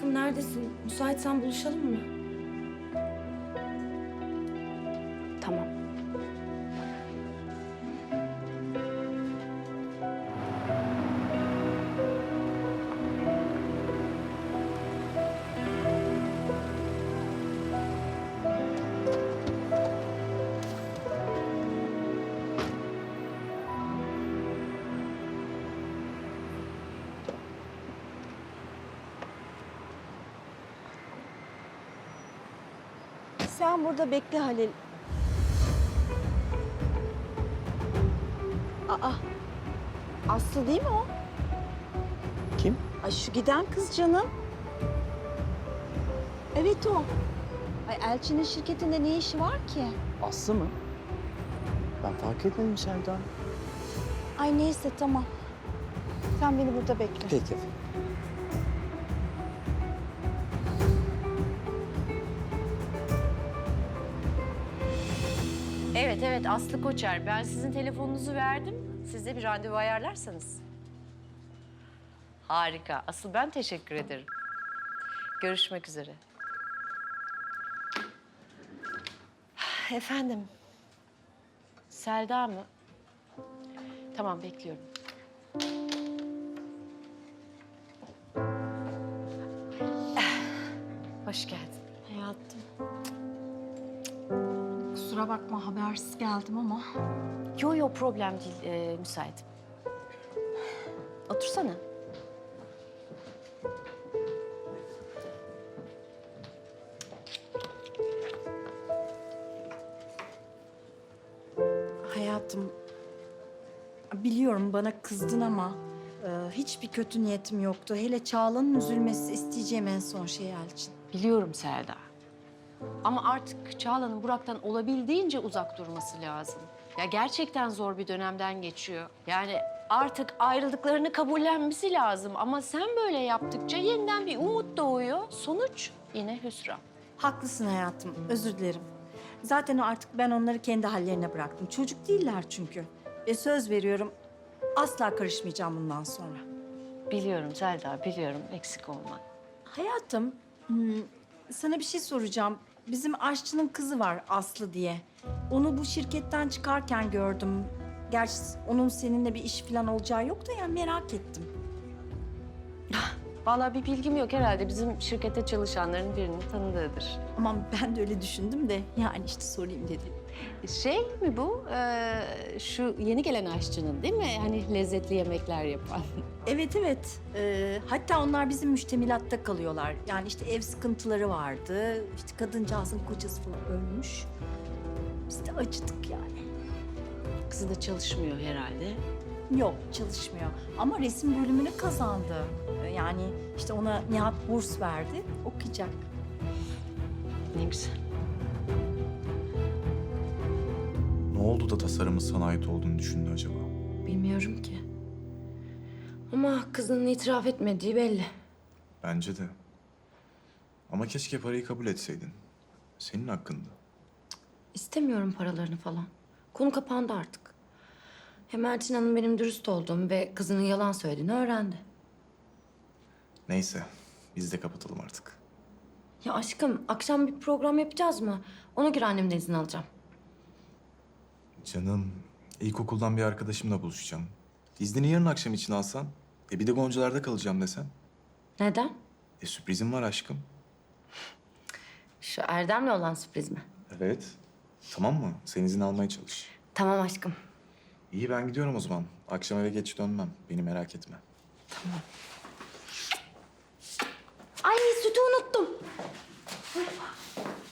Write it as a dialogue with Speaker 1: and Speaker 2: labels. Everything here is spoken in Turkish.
Speaker 1: Aşkım neredesin? Müsaitsen buluşalım mı? Tamam.
Speaker 2: Sen burada bekle Halil. Aa, Aslı değil mi o?
Speaker 3: Kim?
Speaker 2: Ay şu giden kız canım. Evet o. Ay Elçin'in şirketinde ne işi var ki?
Speaker 3: Aslı mı? Ben fark etmedim Selda.
Speaker 2: Ay neyse tamam. Sen beni burada bekle.
Speaker 3: Peki efendim.
Speaker 4: Evet Aslı Koçer. Ben sizin telefonunuzu verdim. Siz de bir randevu ayarlarsanız. Harika. Asıl ben teşekkür ederim. Görüşmek üzere. Efendim. Selda mı? Tamam bekliyorum. Hoş geldin.
Speaker 2: Hayatım. Kusura bakma habersiz geldim ama.
Speaker 4: Yo problem değil. Müsaitim. Otursana.
Speaker 2: Hayatım, biliyorum bana kızdın ama hiçbir kötü niyetim yoktu. Hele Çağla'nın üzülmesi isteyeceğim en son şey Elçin.
Speaker 4: Biliyorum Selda. Ama artık Çağla'nın Burak'tan olabildiğince uzak durması lazım. Ya gerçekten zor bir dönemden geçiyor. Yani artık ayrıldıklarını kabullenmesi lazım. Ama sen böyle yaptıkça yeniden bir umut doğuyor. Sonuç yine hüsran.
Speaker 2: Haklısın hayatım, özür dilerim. Zaten artık ben onları kendi hallerine bıraktım. Çocuk değiller çünkü. Ve söz veriyorum, asla karışmayacağım bundan sonra.
Speaker 4: Biliyorum Selda, biliyorum. Eksik olma.
Speaker 2: Hayatım, sana bir şey soracağım. Bizim aşçının kızı var Aslı diye. Onu bu şirketten çıkarken gördüm. Gerçi onun seninle bir iş falan olacağı yok da ya merak ettim.
Speaker 4: Vallahi bir bilgim yok herhalde. Bizim şirkette çalışanların birinin tanıdığıdır.
Speaker 2: Aman ben de öyle düşündüm de yani işte sorayım dedim.
Speaker 4: Şey mi bu? Şu yeni gelen aşçının değil mi? Hani lezzetli yemekler yapan.
Speaker 2: Evet evet. Hatta onlar bizim müştemilatta kalıyorlar. Yani işte ev sıkıntıları vardı. İşte kadıncağızın kocası falan ölmüş. Biz de acıdık yani.
Speaker 4: Kızı da çalışmıyor herhalde.
Speaker 2: Yok çalışmıyor ama resim bölümünü kazandı. Yani işte ona Nihat burs verdi. Okuyacak.
Speaker 4: Ne güzel.
Speaker 5: Ne oldu da tasarımın sana ait olduğunu düşündü acaba?
Speaker 1: Bilmiyorum ki. Ama kızının itiraf etmediği belli.
Speaker 5: Bence de. Ama keşke parayı kabul etseydin. Senin hakkında.
Speaker 1: İstemiyorum paralarını falan. Konu kapandı artık. Hem Elçin Hanım benim dürüst olduğumu ve kızının yalan söylediğini öğrendi.
Speaker 5: Neyse, biz de kapatalım artık.
Speaker 1: Ya aşkım, akşam bir program yapacağız mı? Ona göre annemden izin alacağım.
Speaker 5: Canım, ilkokuldan bir arkadaşımla buluşacağım. İznini yarın akşam için alsan. Bir de Goncalar'da kalacağım desen.
Speaker 1: Neden?
Speaker 5: Sürprizim var aşkım.
Speaker 1: Şu Erdem'le olan sürpriz mi?
Speaker 5: Evet. Tamam mı? Sen izin almaya çalış.
Speaker 1: Tamam aşkım.
Speaker 5: İyi ben gidiyorum o zaman. Akşam eve geç dönmem. Beni merak etme.
Speaker 1: Ay sütü unuttum.